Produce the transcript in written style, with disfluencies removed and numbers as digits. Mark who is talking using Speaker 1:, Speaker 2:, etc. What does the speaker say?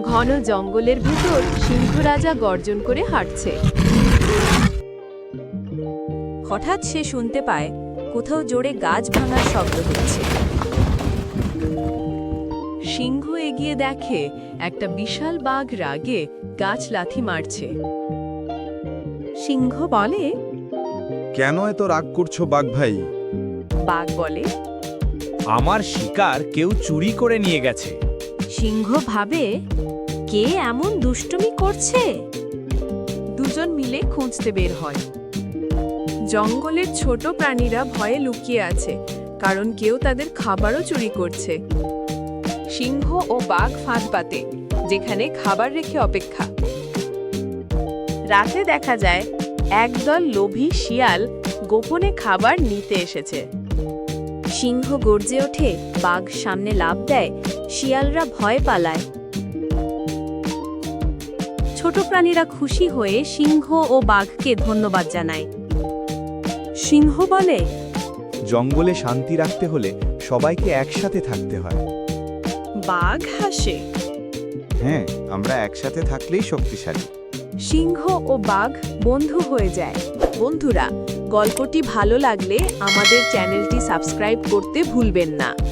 Speaker 1: ঘন জঙ্গলের ভেতর সিংহ রাজা গর্জন করে হাঁটছে।
Speaker 2: হঠাৎ সে শুনতে পায় কোথাও জোরে গাছ ভাঙার শব্দ হচ্ছে।
Speaker 1: সিংহ এগিয়ে দেখে একটা বিশাল বাঘ রাগে গাছ লাথি মারছে।
Speaker 2: সিংহ বলে,
Speaker 3: কেন এত রাগ করছো বাঘ ভাই?
Speaker 1: বাঘ বলে,
Speaker 4: আমার শিকার কেউ চুরি করে নিয়ে গেছে।
Speaker 2: সিংহ ভাবে, কে এমন দুষ্টুমি করছে?
Speaker 1: দুজন মিলে খুঁজতে বের হয়। জঙ্গলের ছোট প্রাণীরা ভয়ে লুকিয়ে আছে, কারণ কেউ তাদের খাবারও চুরি করছে। সিংহ ও বাঘ ফাঁদ পাতে, যেখানে খাবার রেখে অপেক্ষা। রাতে দেখা যায় একদল লোভী শিয়াল গোপনে খাবার নিতে এসেছে।
Speaker 2: সিংহ গর্জে ওঠে, বাঘ সামনে লাফ দেয়, শিয়ালরা ভয় পালায়। ছোট প্রাণীরা খুশি হয়ে সিংহ ও বাঘকে ধন্যবাদ জানায়। সিংহ বলে,
Speaker 3: জঙ্গলে শান্তি রাখতে হলে সবাইকে একসাথে থাকতে হয়।
Speaker 1: বাঘ হাসে।
Speaker 3: হ্যাঁ, আমরা একসাথে থাকলেই শক্তিশালী।
Speaker 1: সিংহ ও বাঘ বন্ধু হয়ে যায়। বন্ধুরা, গল্পটি ভালো লাগলে আমাদের চ্যানেলটি সাবস্ক্রাইব করতে ভুলবেন না।